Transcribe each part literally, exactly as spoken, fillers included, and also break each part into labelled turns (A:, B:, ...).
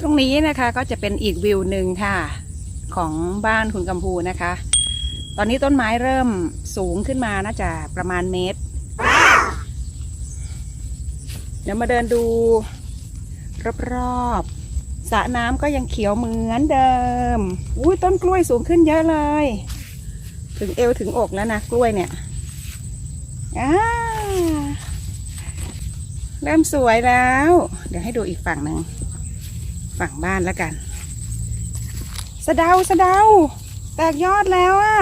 A: ตรงนี้นะคะก็จะเป็นอีกวิวหนึ่งค่ะของบ้านคุณกำพูนะคะ ตอนนี้ต้นไม้เริ่มสูงขึ้นมาน่าจะประมาณเมตร เดี๋ยวมาเดินดูรอบๆสระน้ำก็ยังเขียวเหมือนเดิมอุ้ยต้นกล้วยสูงขึ้นเยอะเลย ถึงเอวถึงอกแล้วนะกล้วยเนี่ยอ่าเริ่มสวยแล้ว เดี๋ยวให้ดูอีกฝั่งหนึ่งฝั่งบ้านแล้วกันสะเดาสะเดาแตกยอดแล้วอะ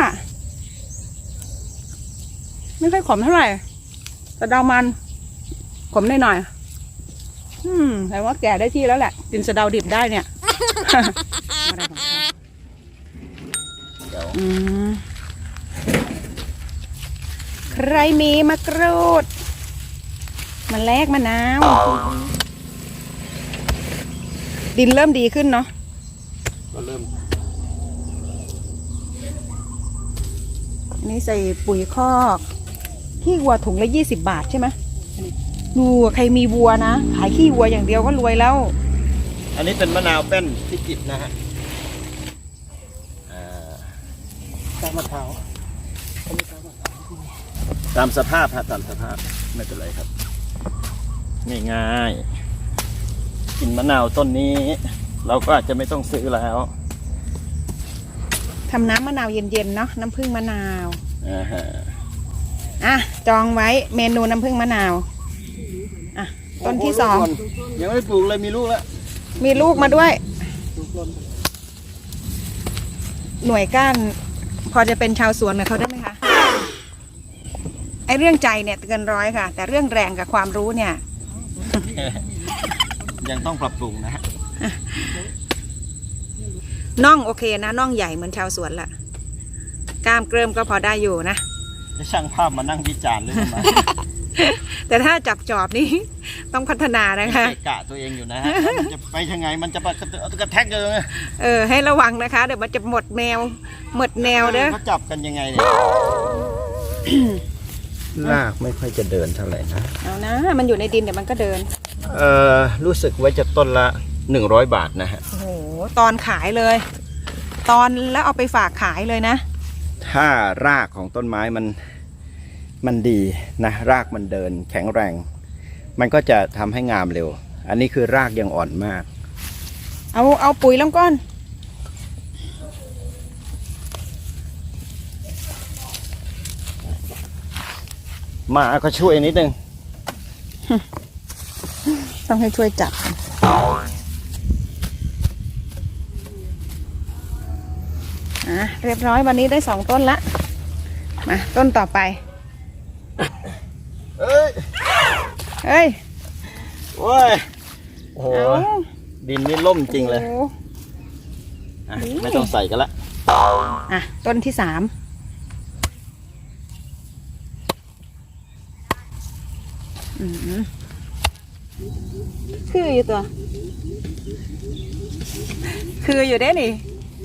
A: ไม่ค่อยขมเท่าไหร่สะเดามันขมหน่อยหน่อยอืมแต่ว่าแก่ได้ที่แล้วแหละกินสะเดาดิบได้เนี่ย อืมใครมีมะกรูดมันแลกมะนาวดินเริ่มดีขึ้นเนาะ
B: ก็เริ่ม
A: นี่ใส่ปุ๋ยคอกขี้วัวถุงละยี่สิบบาทใช่ไหมดูใครมีวัวนะขายขี้วัวอย่างเดียวก็รวยแล้ว
B: อันนี้เป็นมะนาวแป้นพิจิตรนะฮะตามมะพร้าวตามสภาพฮะตามสภาพไม่เป็นไรครับนี่ง่ายกินมะนาวต้นนี้เราก็อาจจะไม่ต้องซื้อแล้ว
A: ทำน้ำมะนาวเย็นๆเนาะน้ำผึ้งมะนาว
B: อ่าฮะ
A: อ่ะจองไว้เมนูน้ำผึ้งมะนาวอ่ะต้นที่สอง
B: ยังไม่ปลูกเลยมีลูกแล้ว
A: มีลูกมาด้วยหน่วยก้านพอจะเป็นชาวสวนกับเขาได้ไหมคะไอเรื่องใจเนี่ยเกินร้อยค่ะแต่เรื่องแรงกับความรู้เนี่ย
B: ยังต้องปรับปรุงนะฮะ
A: น่องโอเคนะน่องใหญ่เหมือนชาวสวนละกล้ามเกริมก็พอได้อยู่นะ
B: จะช่างภาพมานั่งวิจารณ์เลยนะ
A: แต่ถ้าจับจอบนี่ต้องพัฒนานะคะ
B: กะตัวเองอยู่นะฮะมันจะไปยังไงมันจะกระแทกเลย
A: เออให้ระวังนะคะเดี๋ยวมันจะหมดแนวหมดแนวเด้อ
B: เขาจับกันยังไงเนี่ยลากไม่ค่อยจะเดินเท่าไหร่นะ
A: เอานะมันอยู่ในดินเดี๋ยวมันก็เดิน
B: เออรู้สึกว่าจะต้นละหนึ่งร้อยบาทนะฮะ
A: โอ้โหตอนขายเลยตอนแล้วเอาไปฝากขายเลยนะ
B: ถ้ารากของต้นไม้มันมันดีนะรากมันเดินแข็งแรงมันก็จะทำให้งามเร็วอันนี้คือรากยังอ่อนมาก
A: เอาเอาปุ๋ยลงก้อน
B: มาก็ช่วยนิดนึง
A: ต้องให้ช่วยจับอ่ะเรียบร้อยวันนี้ได้สองต้นละมาต้นต่อไป
B: เอ้ย
A: เอ้ย
B: โอ้ยโอ้โหดินนี่ล่มจริงเลยไม่ต้องใส่กันละ
A: อ่ะต้นที่สามคืออยู่ตัวคืออยู่ได้นี่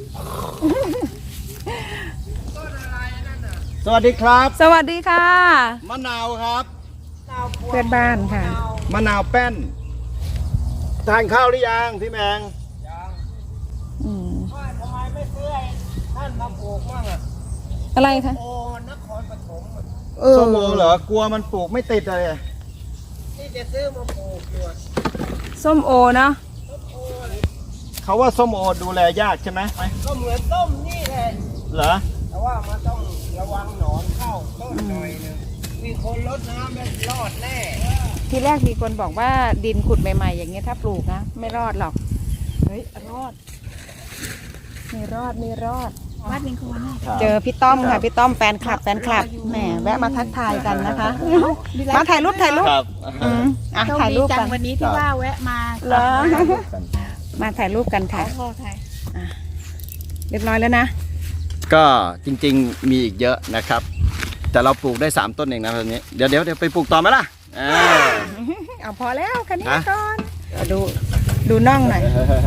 B: สวัสดีครับ
A: สวัสดีค่ะ
B: มะนาวครับ
A: เพื่อนบ้านค่ะ
B: มะนาวแป้นทานข้าวหรือยังพี่แมงยัง
A: อืม
C: ทำไมไม่ซื้อท่านมาปลูกมั่งอ่ะ
A: อะไรคะ
C: โอ้นครปฐม
B: ส้มโอเหรอกลัวมันปลูกไม่ติดเลย
C: ที่จะซื้อมาปลูกอยู่
A: ส้มโอเนาะ
B: เขาว่าส้มโอดูแลยากใช่ไหม
C: ก็เหมือนส้มนี่แหละ
B: เหรอ
C: แต่ว่ามันต้องระวังหนอนเข้าต้นหน่อยนึงมีคนรดน้ำแล้วรอดแน่
A: ทีแรกมีคนบอกว่าดินขุดใหม่ๆอย่างเงี้ยถ้าปลูกนะไม่รอดหรอกเฮ้ยรอดมีรอดมีรอดวัดนิงควรเจอพี่ต้อมค่ะพี่ต้อมแฟนคลับแฟนคลับแหมแวะมาทักทายกันนะคะมาถ่ายรูปถ่ายรูปอ่ะถ่ายรูปกัน
D: วันนี้ที่ว่าแวะมา
A: เหรอมาถ่ายรูปกันค่ะเรียบร้อยแล้วนะ
B: ก็จริงๆมีอีกเยอะนะครับแต่เราปลูกได้สามต้นเองนะตอนนี้เดี๋ยวเดี๋ยวเดี๋ยวไปปลูกต่อไหมล่ะ
A: เอาพอแล้วคันนี้ก่อนดูดูน่องหน่อย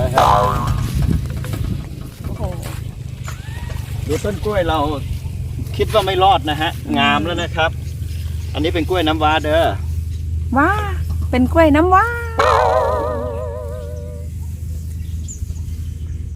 A: โอ้โห
B: ดูต้นกล้วยเราคิดว่าไม่รอดนะฮะงามแล้วนะครับอันนี้เป็นกล้วยน้ำว้าเด้อ
A: ว้าเป็นกล้วยน้ำว้า